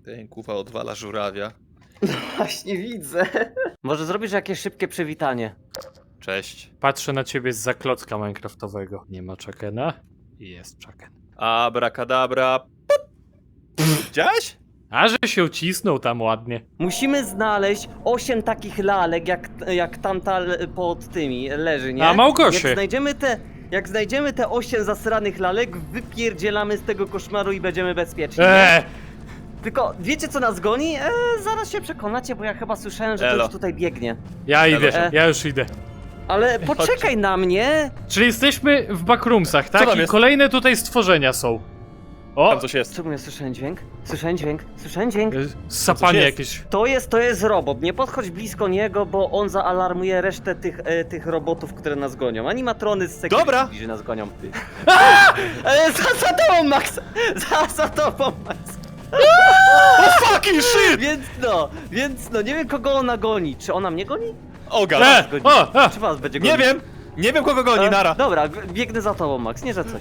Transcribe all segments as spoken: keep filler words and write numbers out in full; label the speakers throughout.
Speaker 1: Ten kuwa odwala żurawia.
Speaker 2: Właśnie widzę. Może zrobisz jakieś szybkie przywitanie?
Speaker 1: Cześć.
Speaker 3: Patrzę na ciebie zza klocka minecraftowego. Nie ma Chuckena? I jest Chucken.
Speaker 1: Abracadabra. Widziałeś?
Speaker 3: A że się ucisnął tam ładnie.
Speaker 2: Musimy znaleźć osiem takich lalek, jak, jak tamta le- pod tymi leży, nie?
Speaker 3: A, Małgosie.
Speaker 2: Jak znajdziemy te, jak znajdziemy te osiem zasranych lalek, wypierdzielamy z tego koszmaru i będziemy bezpieczni. nie?
Speaker 3: Eee!
Speaker 2: Tylko wiecie co nas goni? E, zaraz się przekonacie, bo ja chyba słyszałem, że
Speaker 1: Elo.
Speaker 2: ktoś tutaj biegnie.
Speaker 3: Ja idę,
Speaker 2: E.
Speaker 3: ja już idę.
Speaker 2: Ale poczekaj na mnie!
Speaker 3: Czyli jesteśmy w backroomsach, tak?
Speaker 1: tam
Speaker 3: I
Speaker 1: jest?
Speaker 3: kolejne tutaj stworzenia są. O!
Speaker 1: Tam coś jest.
Speaker 2: Czemu ja słyszałem dźwięk? Słyszałem dźwięk, słyszałem dźwięk.
Speaker 3: e, Sapanie
Speaker 1: jest?
Speaker 3: jakieś.
Speaker 2: To jest, to jest robot, nie podchodź blisko niego, bo on zaalarmuje resztę tych, e, tych robotów, które nas gonią. Animatrony z security,
Speaker 1: Dobra.
Speaker 2: że nas gonią. E, za, za tobą, Max! Za, za tobą, Max!
Speaker 1: O fucking shit!
Speaker 2: Więc no, więc no, nie wiem kogo ona goni. Czy ona mnie goni?
Speaker 1: O
Speaker 3: E!
Speaker 1: gada.
Speaker 3: O! A!
Speaker 2: Czy was będzie gonić?
Speaker 1: Nie wiem. Nie wiem kogo goni,
Speaker 2: E,
Speaker 1: nara.
Speaker 2: Dobra, g- biegnę za tobą, Max, nie że coś.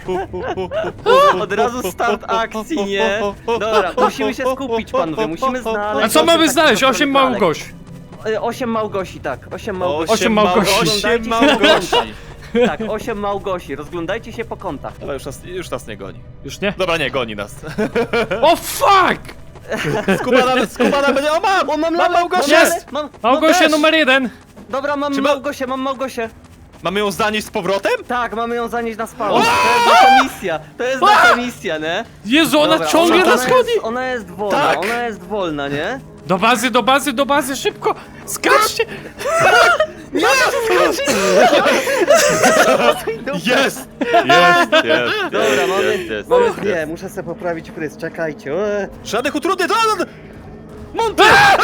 Speaker 2: Od razu start akcji, nie? Dobra, musimy się skupić, panowie, musimy znaleźć...
Speaker 3: A co
Speaker 2: osiem
Speaker 3: mamy
Speaker 2: takich
Speaker 3: znaleźć?
Speaker 2: zasranych
Speaker 3: Osiem
Speaker 2: lalek.
Speaker 3: Małgosi.
Speaker 2: E, Osiem Małgosi, tak, osiem Małgosi.
Speaker 3: Osiem Małgosi.
Speaker 1: Osiem
Speaker 2: Oglądajcie się po
Speaker 1: Małgosi.
Speaker 2: Tak, osiem Małgosi, rozglądajcie się po kątach.
Speaker 1: Dobra, już nas, już nas nie goni.
Speaker 3: Już nie?
Speaker 1: Dobra, nie, goni nas.
Speaker 3: O fuck!
Speaker 1: Skubana, skubana będzie... O, mam!
Speaker 2: O, mam
Speaker 1: Mam
Speaker 2: lalę,
Speaker 1: Małgosię!
Speaker 2: mam
Speaker 3: Jest!
Speaker 2: lalę, mam,
Speaker 3: Małgosia
Speaker 1: też.
Speaker 3: numer jeden!
Speaker 2: Dobra, mam
Speaker 1: Czy ma-
Speaker 2: Małgosię, mam Małgosię.
Speaker 1: Mamy ją zanieść z powrotem?
Speaker 2: Tak, mamy ją zanieść na spawn. To jest nasza misja, to jest nasza misja, nie?
Speaker 3: Jezu, ona
Speaker 2: Dobra,
Speaker 3: ciągle
Speaker 2: ona,
Speaker 3: nas
Speaker 2: ona
Speaker 3: chodzi!
Speaker 2: jest, ona jest wolna,
Speaker 1: Tak.
Speaker 2: ona jest wolna, nie?
Speaker 3: Do bazy, do bazy, do bazy, szybko! Skaczcie!
Speaker 1: Jest! Jest, jest.
Speaker 2: Dobra, mamy,
Speaker 1: jest, jest,
Speaker 2: mamy
Speaker 1: jest,
Speaker 2: dwie,
Speaker 1: jest.
Speaker 2: muszę sobie poprawić fryz, czekajcie. Eee.
Speaker 1: Żadnych utrudnień, to... Monty!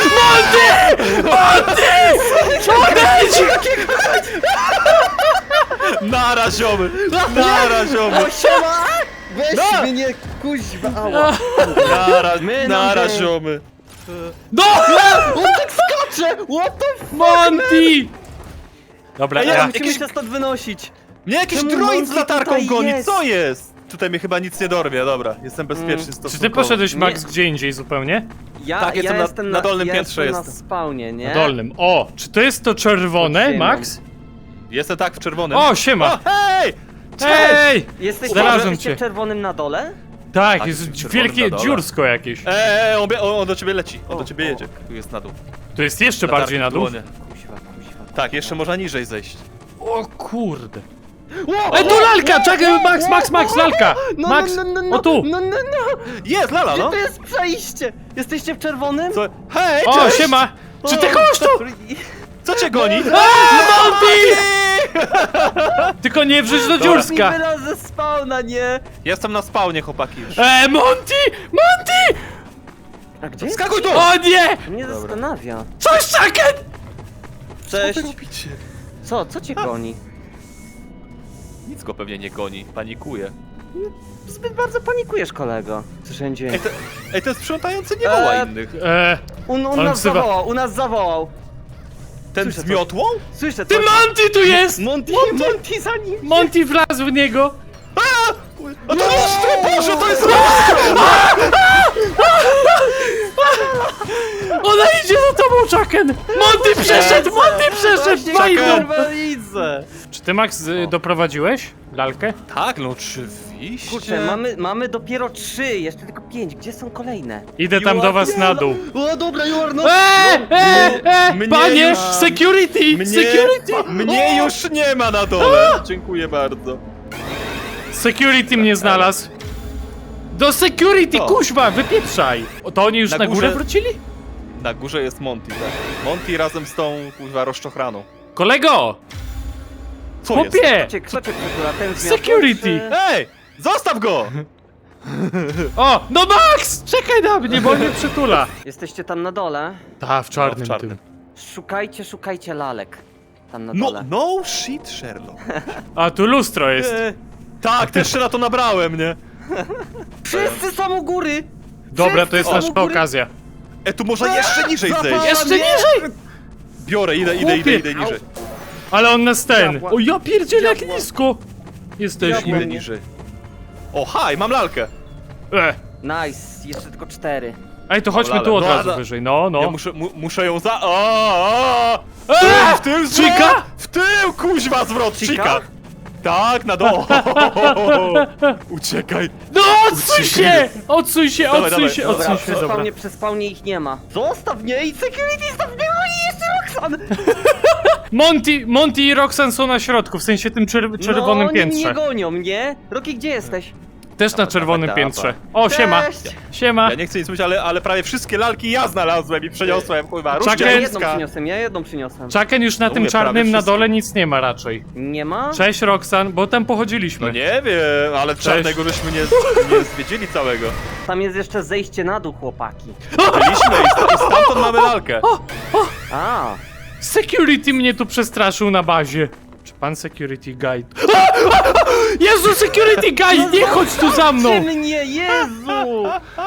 Speaker 1: Nara, ziomy! Nara, ziomy!
Speaker 2: O, siema! Weź
Speaker 1: No.
Speaker 2: mnie, kuźwa, ała.
Speaker 1: Nara,
Speaker 2: My
Speaker 1: nara,
Speaker 2: nam te-
Speaker 1: ziomy!
Speaker 3: No!
Speaker 2: On tak skacze! What the f...
Speaker 3: Monty! Dobra,
Speaker 1: Ej,
Speaker 3: ja...
Speaker 1: ja-
Speaker 2: Musimy
Speaker 1: jakiś-
Speaker 2: się stąd wynosić.
Speaker 1: Mnie jakiś
Speaker 2: Czemu
Speaker 1: droid
Speaker 2: Monty
Speaker 1: z latarką
Speaker 2: tutaj
Speaker 1: goni,
Speaker 2: jest?
Speaker 1: co jest? Tutaj mnie chyba nic nie dorwie, dobra, jestem bezpieczny
Speaker 2: Mm.
Speaker 1: stosunkowo.
Speaker 3: Czy ty poszedłeś,
Speaker 2: Nie.
Speaker 3: Max, gdzie indziej zupełnie?
Speaker 2: Ja,
Speaker 1: Tak,
Speaker 2: ja
Speaker 1: jestem na-
Speaker 2: jestem
Speaker 1: na dolnym
Speaker 2: ja
Speaker 1: piętrze
Speaker 2: jestem.
Speaker 1: jestem.
Speaker 2: na spawnie, nie?
Speaker 3: Na dolnym. O! Czy to jest to czerwone,
Speaker 2: Pod ziemią.
Speaker 3: Max?
Speaker 1: Jestem tak w czerwonym.
Speaker 3: O, siema!
Speaker 1: O, hej!
Speaker 3: Ej!
Speaker 2: Jesteś
Speaker 3: Znalazłem
Speaker 2: jesteście
Speaker 3: cię.
Speaker 2: w czerwonym na dole?
Speaker 3: Tak,
Speaker 1: Tak,
Speaker 3: jest
Speaker 1: czerwonym
Speaker 3: wielkie
Speaker 1: na dole.
Speaker 3: dziursko jakieś.
Speaker 1: Eee, on, bie- on, on do ciebie leci, on
Speaker 2: O,
Speaker 1: do ciebie
Speaker 2: o.
Speaker 1: jedzie. Tu jest na dół.
Speaker 3: To jest jeszcze
Speaker 1: Latarki
Speaker 3: bardziej na
Speaker 1: w
Speaker 3: dół.
Speaker 1: dłonie.
Speaker 2: Kuźwa, kuźwa.
Speaker 1: Tak, jeszcze można niżej zejść.
Speaker 3: O kurde. Ej, tu lalka! Czekaj, Max, Max, Max, lalka!
Speaker 2: No,
Speaker 3: Max,
Speaker 2: no, no, no,
Speaker 3: o tu!
Speaker 2: No, no, no!
Speaker 1: Jest, lala,
Speaker 2: Gdzie
Speaker 1: no!
Speaker 2: to jest przejście? Jesteście w czerwonym?
Speaker 1: Co? Hej,
Speaker 3: O,
Speaker 1: cześć!
Speaker 3: siema! Czy ty
Speaker 2: O,
Speaker 3: kogoś tu?
Speaker 1: Co cię goni?
Speaker 3: Monty! Tylko nie wrzuć do
Speaker 2: Mi
Speaker 3: dziurska!
Speaker 2: wyraz ze spawna, nie?
Speaker 1: Jestem na spawnie, chłopaki już.
Speaker 3: Eee, Monty! Monty!
Speaker 2: A gdzie jest?
Speaker 1: Skakuj tu!
Speaker 3: O nie!
Speaker 2: To mnie zastanawia.
Speaker 3: Coś, Chucken!
Speaker 2: Cześć.
Speaker 1: Co wy robicie?
Speaker 2: Co? Co cię goni?
Speaker 1: Nic go pewnie nie goni, panikuje.
Speaker 2: Zbyt bardzo panikujesz, kolego. Słyszałem
Speaker 1: Ej,
Speaker 2: dźwięk.
Speaker 1: te, ej, ten sprzątający nie woła
Speaker 2: Eee,
Speaker 1: innych.
Speaker 3: Eee,
Speaker 2: Un, u
Speaker 3: on
Speaker 2: nas
Speaker 3: wzywa-
Speaker 2: zawołał, u nas zawołał.
Speaker 1: Ten
Speaker 2: słyszę
Speaker 1: z
Speaker 2: coś.
Speaker 1: miotłą?
Speaker 2: Słyszę
Speaker 3: ty
Speaker 2: coś.
Speaker 3: Monty tu jest!
Speaker 2: Monty, Monty za nim.
Speaker 3: Monty wlazł w niego!
Speaker 1: A! A to lustro, Boże, to jest lustro!
Speaker 3: Ona idzie za tobą, Chucken! Monty przeszedł! Monty przeszedł!
Speaker 2: Właśnie,
Speaker 3: Fajną!
Speaker 2: kurwa, widzę.
Speaker 3: Czy ty, Max, y, doprowadziłeś lalkę?
Speaker 1: Tak, no oczywiście.
Speaker 2: Kurczę, mamy, mamy dopiero trzy, jeszcze tylko pięć. Gdzie są kolejne?
Speaker 3: Idę tam do was na dół.
Speaker 2: O, dobra, you are not...
Speaker 3: Eee, eee, eee,
Speaker 1: Mnie
Speaker 3: panie!
Speaker 1: już-
Speaker 3: Security!
Speaker 1: Mnie,
Speaker 3: Security!
Speaker 1: mnie już nie ma na dole. Dziękuję bardzo.
Speaker 3: Security mnie znalazł. Do security,
Speaker 1: Co?
Speaker 3: kuźwa, wypieprzaj! O, to oni już na,
Speaker 1: Na
Speaker 3: górę
Speaker 1: górze-
Speaker 3: wrócili?
Speaker 1: Na górze jest Monty, tak. Monty razem z tą, kurwa, rozczochraną.
Speaker 3: Kolego!
Speaker 1: Co jest?
Speaker 3: Chłopie!
Speaker 2: Kto cię, kto cię przytula? Ten z miotłą,
Speaker 3: Security.
Speaker 2: czy-
Speaker 1: Ej! Zostaw go!
Speaker 3: O, no Max! Czekaj na mnie, bo on mnie przytula.
Speaker 2: Jesteście tam na dole?
Speaker 3: Ta, w czarnym,
Speaker 1: No, w czarnym.
Speaker 3: tym.
Speaker 2: Szukajcie, szukajcie lalek. Tam na
Speaker 1: No,
Speaker 2: dole.
Speaker 1: no shit, Sherlock.
Speaker 3: A, tu lustro jest.
Speaker 1: E, tak, też się na to nabrałem, nie?
Speaker 2: Wszyscy są u góry!
Speaker 3: Dobra, to jest
Speaker 2: Wszyscy są
Speaker 3: nasza
Speaker 2: u góry!
Speaker 3: okazja.
Speaker 1: E, tu można jeszcze niżej
Speaker 2: Zapal-
Speaker 1: zejść.
Speaker 3: Jeszcze
Speaker 2: nie!
Speaker 3: niżej!
Speaker 1: Biorę, idę, idę, idę, idę niżej.
Speaker 3: Ale on nas ten.
Speaker 2: Diabła.
Speaker 3: O, ja pierdzielę, jak
Speaker 2: Diabła.
Speaker 3: nisko! Jesteśmy.
Speaker 1: Idę niżej. O, haj, mam lalkę.
Speaker 3: E,
Speaker 2: Nice, jeszcze tylko cztery.
Speaker 3: Ej, to chodźmy
Speaker 1: Lale.
Speaker 3: tu od
Speaker 1: No,
Speaker 3: razu
Speaker 1: ale-
Speaker 3: wyżej, no, no.
Speaker 1: Ja muszę, mu, muszę ją za... O, o!
Speaker 3: Eee!
Speaker 1: W tył zwrot!
Speaker 3: Chica?
Speaker 1: W tył, kuźwa, zwrot!
Speaker 2: Chica?
Speaker 1: Chica! Tak, na dół! Uciekaj!
Speaker 3: No odsuń się! Odsuń się,
Speaker 1: Dawaj,
Speaker 3: odsuń
Speaker 1: dawaj.
Speaker 3: się,
Speaker 2: Dobra,
Speaker 3: odsuń
Speaker 2: przy
Speaker 3: się, dobra.
Speaker 2: spawnie, przy spawnie ich nie ma. Zostaw mnie i security, zostaw mnie, no i jeszcze Roxanne!
Speaker 3: Monty, Monty i Roxanne są na środku, w sensie tym czer czerwonym
Speaker 2: no, oni mnie
Speaker 3: piętrze.
Speaker 2: gonią, nie? Rocky, gdzie jesteś?
Speaker 3: Też na
Speaker 1: Dawaj,
Speaker 3: czerwonym
Speaker 1: dawaj,
Speaker 3: piętrze.
Speaker 1: dawaj.
Speaker 3: O, siema.
Speaker 2: Cześć!
Speaker 3: Siema.
Speaker 1: Ja nie chcę nic mówić, ale, ale prawie wszystkie lalki ja znalazłem i przeniosłem, kurwa.
Speaker 3: Czekaj.
Speaker 2: Ja
Speaker 1: Różdża
Speaker 2: jedną
Speaker 1: niska.
Speaker 2: przyniosłem, ja jedną przyniosłem.
Speaker 3: Czaken już na
Speaker 1: No
Speaker 3: tym
Speaker 1: mówię, prawie
Speaker 3: czarnym na
Speaker 1: wszystkie.
Speaker 3: dole nic nie ma raczej.
Speaker 2: Nie ma?
Speaker 3: Cześć Roxanne, bo tam pochodziliśmy.
Speaker 1: No nie wiem, ale
Speaker 3: Cześć.
Speaker 1: czarnego żeśmy nie, nie zwiedzili całego.
Speaker 2: Tam jest jeszcze zejście na dół, chłopaki.
Speaker 1: Byliśmy i, st i stamtąd mamy lalkę.
Speaker 2: A,
Speaker 3: Security mnie tu przestraszył na bazie. Czy pan security guy... Jezu, security guy, nie chodź tu za mną!
Speaker 2: Ty mnie, Jezu!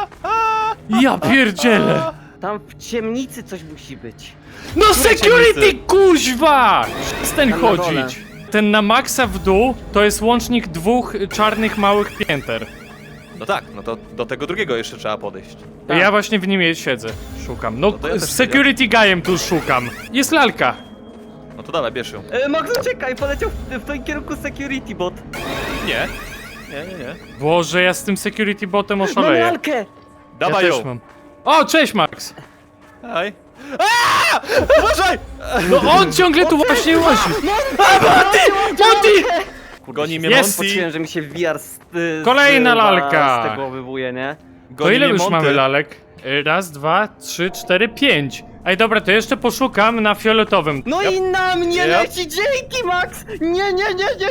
Speaker 3: Ja pierdzielę.
Speaker 2: Tam w ciemnicy coś musi być.
Speaker 3: No security,
Speaker 1: ciemnicy?
Speaker 3: kuźwa! Ten
Speaker 2: Tam na dole.
Speaker 3: chodzić. Ten na maksa w dół to jest łącznik dwóch czarnych małych pięter.
Speaker 1: No tak, no to do tego drugiego jeszcze trzeba podejść.
Speaker 2: Tak.
Speaker 3: Ja właśnie w nim siedzę. Szukam. No,
Speaker 1: No to ja też
Speaker 3: z security guyem tu szukam. Jest lalka.
Speaker 1: No to dawaj, bierz ją.
Speaker 2: E, Max, uciekaj, poleciał w, w tym kierunku security bot.
Speaker 1: Nie. Nie, nie, nie.
Speaker 3: Boże, ja z tym security botem
Speaker 2: Mam
Speaker 3: oszaleję.
Speaker 2: lalkę!
Speaker 3: Ja
Speaker 1: Dawaj
Speaker 3: też
Speaker 1: ją.
Speaker 3: mam. O, cześć Max!
Speaker 1: Daj. Aaaa! Uważaj!
Speaker 3: No on ciągle tu właśnie łazi.
Speaker 2: Monty!
Speaker 3: Monty!
Speaker 1: Goni mnie
Speaker 3: Jest.
Speaker 1: Monty.
Speaker 2: Poczułem, że mi się V R z, z,
Speaker 3: Kolejna
Speaker 2: z,
Speaker 3: lalka.
Speaker 2: z tego wybuje, nie?
Speaker 3: To
Speaker 1: Goni
Speaker 3: ile
Speaker 1: mnie
Speaker 3: już
Speaker 1: Monty.
Speaker 3: mamy lalek? Y, Raz, dwa, trzy, cztery, pięć. Ej, dobra, to jeszcze poszukam na fioletowym.
Speaker 2: No
Speaker 1: Yep.
Speaker 2: i na mnie
Speaker 1: Yep.
Speaker 2: leci, dzięki Max! Nie, nie, nie, nie,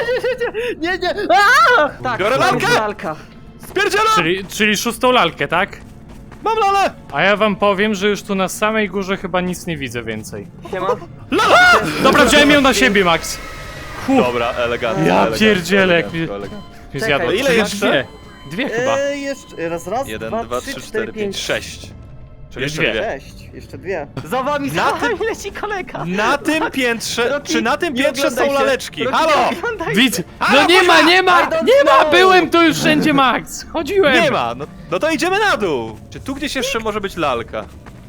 Speaker 2: nie, nie, nie, nie, nie, Aaa! Tak,
Speaker 1: Biorę
Speaker 2: to jest
Speaker 1: lalkę!
Speaker 2: lalka.
Speaker 1: Spierdzielam!
Speaker 3: Czyli, czyli szóstą lalkę, tak?
Speaker 1: Mam lalę!
Speaker 3: A ja wam powiem, że już tu na samej górze chyba nic nie widzę więcej.
Speaker 2: Siema.
Speaker 3: Dobra, wziąłem ją na siebie, Max. Huh,
Speaker 1: Dobra, elegancko.
Speaker 3: Ja
Speaker 1: elegancko,
Speaker 3: pierdzielę, jak
Speaker 1: elegancko,
Speaker 3: mi-
Speaker 1: elegancko.
Speaker 3: mnie
Speaker 2: Czekaj,
Speaker 3: zjadło.
Speaker 1: ile
Speaker 3: Czy
Speaker 1: jeszcze?
Speaker 3: Dwie. Dwie chyba.
Speaker 2: E, jeszcze, raz, raz,
Speaker 1: Jeden,
Speaker 2: dwa,
Speaker 1: dwa,
Speaker 2: trzy,
Speaker 1: trzy,
Speaker 2: cztery,
Speaker 1: cztery, pięć,
Speaker 2: pięć,
Speaker 1: sześć. Czyli jeszcze
Speaker 3: Dwie.
Speaker 1: dwie.
Speaker 2: sześć, jeszcze dwie. Za wami,
Speaker 1: Na
Speaker 2: za
Speaker 1: tym-
Speaker 2: wami leci kolega.
Speaker 1: Na tym piętrze,
Speaker 2: Rocky,
Speaker 1: czy na tym
Speaker 2: nie
Speaker 1: piętrze są
Speaker 2: oglądaj się.
Speaker 1: laleczki?
Speaker 2: Rocky,
Speaker 1: Halo!
Speaker 2: nie oglądaj się.
Speaker 3: Widz,
Speaker 1: Halo,
Speaker 3: no nie ma, nie ma,
Speaker 2: I don't
Speaker 3: nie ma,
Speaker 2: know.
Speaker 3: byłem tu już wszędzie, Max. Chodziłem.
Speaker 1: Nie ma, no, no to idziemy na dół. Czy tu gdzieś jeszcze może być lalka?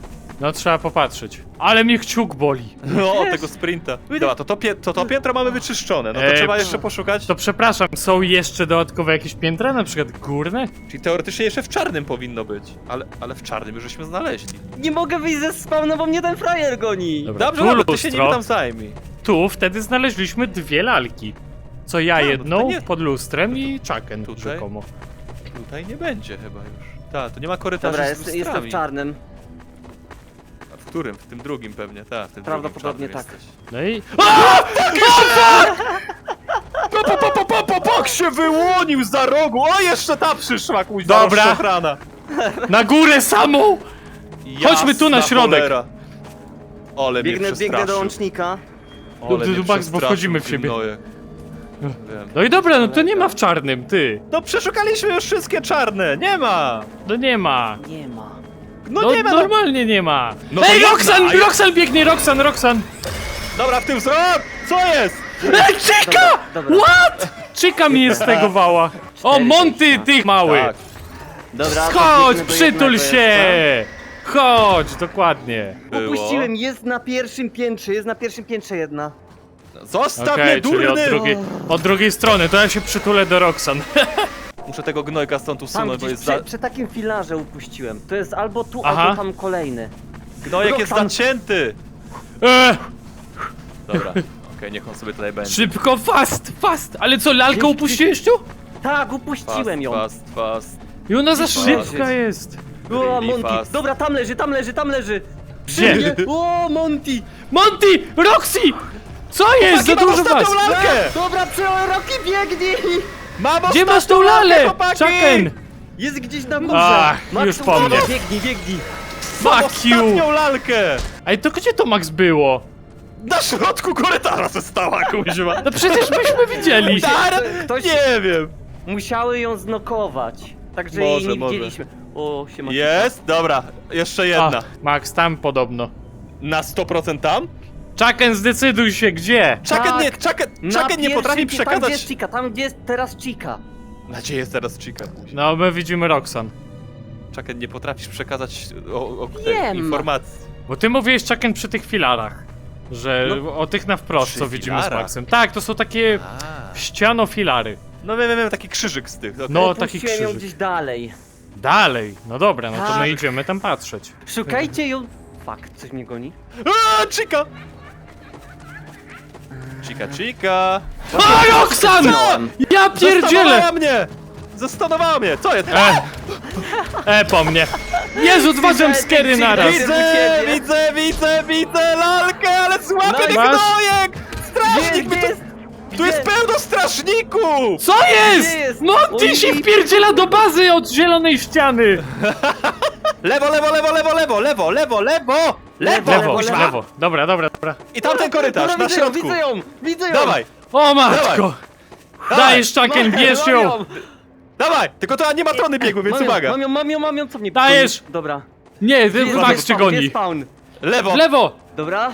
Speaker 3: No trzeba popatrzeć. Ale mnie kciuk boli.
Speaker 1: No, od tego sprinta. Dobra, to to, pie, to to piętro mamy wyczyszczone, no to
Speaker 3: Eee,
Speaker 1: trzeba
Speaker 3: pff.
Speaker 1: jeszcze poszukać.
Speaker 3: To przepraszam, są jeszcze dodatkowe jakieś piętra, na przykład górne?
Speaker 1: Czyli teoretycznie jeszcze w czarnym powinno być. Ale, ale w czarnym już żeśmy znaleźli.
Speaker 2: Nie mogę wyjść ze spawna, bo mnie ten frajer goni.
Speaker 3: Dobra,
Speaker 1: Dobrze,
Speaker 3: tu
Speaker 1: dobra, ty się
Speaker 3: lustro.
Speaker 1: nim tam zajmij.
Speaker 3: Tu wtedy znaleźliśmy dwie lalki. Co ja
Speaker 1: A, no to
Speaker 3: jedną
Speaker 1: nie-
Speaker 3: pod lustrem i Chucken
Speaker 1: Tutaj?
Speaker 3: rzekomo.
Speaker 1: Tutaj nie będzie chyba już. Tak, tu nie ma korytarza
Speaker 2: Dobra,
Speaker 1: z
Speaker 2: jest, jestem
Speaker 1: lustrami.
Speaker 2: w czarnym.
Speaker 1: A w którym? W tym drugim pewnie, tak. W tym
Speaker 2: Prawdopodobnie
Speaker 1: drugim
Speaker 2: tak.
Speaker 1: czarnym jesteś.
Speaker 3: No i...
Speaker 1: Po, po, po, po, po, po, bok się wyłonił za rogu! O, jeszcze ta przyszła, kuźwa,
Speaker 3: Dobra.
Speaker 1: ochrana.
Speaker 3: Na górę samą! Chodźmy tu na
Speaker 1: Jasna
Speaker 3: środek.
Speaker 1: Cholera. Ole mnie
Speaker 2: Biegnę, biegnę do
Speaker 1: przestraszył.
Speaker 2: łącznika.
Speaker 1: Ole
Speaker 3: Tu,
Speaker 1: mnie
Speaker 3: tu, Max, bo
Speaker 1: przestraszył,
Speaker 3: wchodzimy w
Speaker 1: ty
Speaker 3: siebie.
Speaker 1: gnojek. Wiem.
Speaker 3: No i dobra, no to nie ma w czarnym, ty.
Speaker 1: No przeszukaliśmy już wszystkie czarne, nie ma!
Speaker 3: No nie ma.
Speaker 2: Nie ma.
Speaker 1: No,
Speaker 3: No
Speaker 1: nie ma! No.
Speaker 3: normalnie nie ma.
Speaker 1: No to
Speaker 3: Ej,
Speaker 1: jedna,
Speaker 3: Roxan,
Speaker 1: a ja-
Speaker 3: Roxan biegnie, Roxan, Roxan.
Speaker 1: Dobra, w tym wzrok! Co jest?
Speaker 3: Ej, Chica!
Speaker 2: Dobra, dobra.
Speaker 3: What? Chica mi jest z tego wała. O,
Speaker 2: Cztery,
Speaker 3: Monty,
Speaker 2: pięć,
Speaker 3: ty mały.
Speaker 1: Tak.
Speaker 2: Dobra,
Speaker 3: Chodź,
Speaker 2: biegnę do
Speaker 3: przytul
Speaker 2: jednego
Speaker 3: się.
Speaker 2: jeszcze.
Speaker 3: Chodź, dokładnie.
Speaker 1: Było.
Speaker 2: Upuściłem, jest na pierwszym piętrze, jest na pierwszym piętrze jedna.
Speaker 1: Zostaw
Speaker 3: Okej,
Speaker 1: mnie,
Speaker 3: czyli od
Speaker 1: durny!
Speaker 3: drugiej, od drugiej strony, to ja się przytulę do Roxan.
Speaker 1: Muszę tego gnojka stąd
Speaker 2: Tam
Speaker 1: usunąć, bo
Speaker 2: gdzieś
Speaker 1: jest
Speaker 2: przy,
Speaker 1: za...
Speaker 2: przy takim filarze upuściłem. To jest albo tu,
Speaker 3: Aha.
Speaker 2: albo tam kolejny.
Speaker 1: Gnojek jest
Speaker 2: Roxan.
Speaker 1: zacięty!
Speaker 3: E,
Speaker 1: Dobra, okej, niech on sobie tutaj będzie.
Speaker 3: szybko, fast, fast. Ale co, lalkę
Speaker 2: Gdzieś-
Speaker 3: upuściłeś tu?
Speaker 2: Tak, upuściłem
Speaker 1: Fast,
Speaker 2: ją.
Speaker 1: fast, fast.
Speaker 3: I ona za
Speaker 1: Fast.
Speaker 3: szybka jest.
Speaker 2: O,
Speaker 1: Really
Speaker 2: Monty.
Speaker 1: fast.
Speaker 2: Dobra, tam leży, tam leży, tam leży. Przy
Speaker 3: Gdzie?
Speaker 2: mnie. O, Monty.
Speaker 3: Monty, Roxy! Co jest? Za
Speaker 1: Chłopaki, mam
Speaker 3: dużo was.
Speaker 1: ostatnią lalkę!
Speaker 2: Dobra, przy Rocky biegnij.
Speaker 1: Mam
Speaker 3: Gdzie masz tą
Speaker 1: ostatnią
Speaker 3: lalę?
Speaker 1: chłopaki!
Speaker 3: Chucken!
Speaker 2: Jest gdzieś na górze.
Speaker 3: Ach,
Speaker 2: Max,
Speaker 3: już po
Speaker 2: uwaga,
Speaker 3: mnie.
Speaker 2: Biegnij, biegnij.
Speaker 1: Mam
Speaker 3: Fuck you!
Speaker 1: ostatnią lalkę!
Speaker 3: Ej, to gdzie to Max było?
Speaker 1: Na środku korytarza została, kuźwa!
Speaker 3: No przecież myśmy widzieli.
Speaker 1: Dar?
Speaker 2: Ktoś-
Speaker 1: Nie wiem!
Speaker 2: Musiały ją znokować. Także
Speaker 1: Może,
Speaker 2: jej nie
Speaker 1: może.
Speaker 2: widzieliśmy. O, siema.
Speaker 1: Jest? Dobra, jeszcze jedna.
Speaker 3: A, Max, tam podobno.
Speaker 1: Na sto procent tam?
Speaker 3: Chucken, zdecyduj się, gdzie?
Speaker 1: Chucken
Speaker 2: Tak.
Speaker 1: nie, Chucken,
Speaker 2: Na
Speaker 1: Chucken nie
Speaker 2: pierwszym
Speaker 1: potrafi
Speaker 2: pi- Tam gdzie
Speaker 1: przekazać...
Speaker 2: jest Chica, tam gdzie jest teraz Chica.
Speaker 1: Gdzie jest teraz Chica?
Speaker 3: No, my widzimy Roxan.
Speaker 1: Czaken, nie potrafisz przekazać o, o tej
Speaker 2: Wiem.
Speaker 1: informacji.
Speaker 3: Bo ty mówiłeś, Czaken, przy tych filarach. Że
Speaker 2: No,
Speaker 3: o tych na wprost,
Speaker 1: przy
Speaker 3: co widzimy z
Speaker 1: filarach?
Speaker 3: Maxem. Tak, to są takie
Speaker 1: A.
Speaker 3: ściano-filary.
Speaker 1: No wiem, wiem, wiem, taki krzyżyk z tych. Okay.
Speaker 3: No, taki
Speaker 2: Puściłem ją
Speaker 3: krzyżyk.
Speaker 2: gdzieś dalej.
Speaker 3: Dalej, no dobra, no to
Speaker 2: Tak.
Speaker 3: my idziemy tam patrzeć.
Speaker 2: Szukajcie ją... Fuck, coś mnie goni.
Speaker 1: A, Chica! Chica, Chica!
Speaker 3: A, Roxan! Ja pierdzielę!
Speaker 1: Zastanowała mnie! Zastanowała mnie! Co jest?
Speaker 3: E, e po mnie. Jezu, dwa jumpscary naraz.
Speaker 1: Widzę, widzę, widzę, widzę lalkę, ale złapie
Speaker 2: No i
Speaker 1: tych
Speaker 3: masz?
Speaker 1: gnojek!
Speaker 2: Gdzie,
Speaker 1: Strażnik!
Speaker 2: gdzie
Speaker 1: my tu,
Speaker 2: jest?
Speaker 1: tu jest
Speaker 2: Gdzie?
Speaker 1: pełno strażników!
Speaker 3: Co jest?
Speaker 2: Gdzie jest?
Speaker 3: Monty
Speaker 2: Oj,
Speaker 3: się
Speaker 2: i-
Speaker 3: wpierdziela do bazy od zielonej ściany.
Speaker 1: Lewo, lewo, lewo, lewo, lewo, lewo, lewo, lewo! Lewo,
Speaker 3: Lewo,
Speaker 1: kuźwa!
Speaker 3: lewo. Dobra, dobra, dobra.
Speaker 1: I tamten korytarz,
Speaker 2: Dobra,
Speaker 1: na
Speaker 2: widzę ją,
Speaker 1: środku!
Speaker 2: Widzę ją, widzę ją!
Speaker 1: Dawaj,
Speaker 3: O matko. Dajesz, Czaken,
Speaker 2: Mam-
Speaker 3: bierz
Speaker 2: mam
Speaker 3: ją.
Speaker 1: dawaj! Tylko to animatrony biegły, więc
Speaker 2: Mam ją,
Speaker 1: uwaga!
Speaker 2: mam ją, mam ją, mam ją, co mnie
Speaker 3: Dajesz.
Speaker 2: goni? Dobra.
Speaker 3: Nie,
Speaker 2: Gdzie jest-
Speaker 3: Max
Speaker 2: gdzie
Speaker 3: cię
Speaker 2: jest spawn? Gdzie
Speaker 3: goni.
Speaker 2: jest spawn?
Speaker 1: Lewo!
Speaker 3: W lewo.
Speaker 2: Dobra.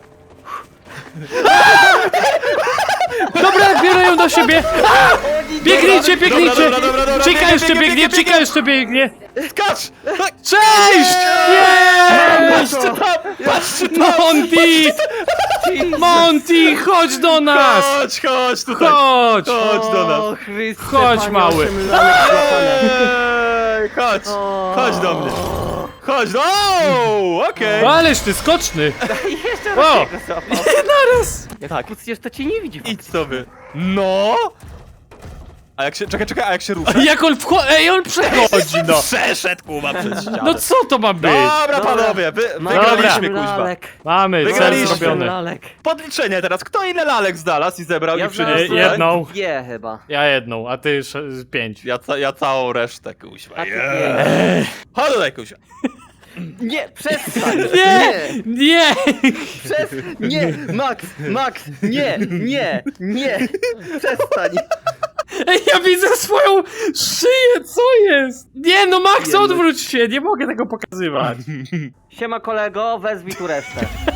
Speaker 3: Dobra, biorę ją do siebie. A! Biegnijcie,
Speaker 1: Dobra,
Speaker 3: biegnijcie.
Speaker 1: dobra, dobra, dobra,
Speaker 3: Chica
Speaker 1: biegnie,
Speaker 3: jeszcze
Speaker 1: biegnie,
Speaker 3: biegnie,
Speaker 1: biegnie,
Speaker 3: Chica jeszcze biegnie.
Speaker 1: Skacz! Tak,
Speaker 3: Cześć! Cześć!
Speaker 1: patrzcie tam! Patrzcie tam!
Speaker 3: Monty! Monty, chodź do nas!
Speaker 1: Chodź, chodź tutaj!
Speaker 3: Chodź!
Speaker 1: Chodź do nas!
Speaker 2: O, Chryste,
Speaker 3: Chodź,
Speaker 2: panie,
Speaker 3: mały.
Speaker 2: osiem lanek złapane.
Speaker 1: Ej, chodź! Chodź do mnie! Chodź do... O, okej!
Speaker 3: Ależ ty skoczny!
Speaker 2: Jeszcze
Speaker 3: O!
Speaker 2: raz jego złapał.
Speaker 3: Naraz!
Speaker 2: Jak
Speaker 1: Tak.
Speaker 2: kucniesz, to cię nie widzi.
Speaker 1: Idź sobie! No! A jak się... Czekaj, czekaj, a jak się rusza?
Speaker 3: Jak on wchodzi? Ej, on przechodzi, no!
Speaker 1: Przeszedł, kuba, przez ścianę!
Speaker 3: No co to ma być?
Speaker 1: Dobra,
Speaker 2: Dobra.
Speaker 1: panowie, wy,
Speaker 2: Mam
Speaker 1: wygraliśmy,
Speaker 2: osiem
Speaker 1: kuźwa.
Speaker 2: lalek.
Speaker 3: Mamy, cel
Speaker 1: Wygraliśmy.
Speaker 3: zrobiony.
Speaker 2: Lalek.
Speaker 1: Podliczenie teraz. Kto ile lalek znalazł i zebrał
Speaker 2: Ja
Speaker 1: i przyniósł
Speaker 3: znalazłem-
Speaker 1: tutaj?
Speaker 3: jedną.
Speaker 2: Dwie chyba.
Speaker 3: Ja jedną, a ty sz- pięć.
Speaker 1: Ja, ca ja całą resztę, kuźwa.
Speaker 2: A ty
Speaker 1: Yeah. Chodź tutaj, kuźwa.
Speaker 2: Nie, przestań!
Speaker 3: Nie! Nie!
Speaker 2: Przez... Nie! Max! Max! Nie! Nie! Nie! Przestań!
Speaker 3: Ej, ja widzę swoją szyję, co jest? Nie, no Max,
Speaker 2: Jemy.
Speaker 3: odwróć się, nie mogę tego pokazywać.
Speaker 2: Siema kolego, wezwij tu resztę.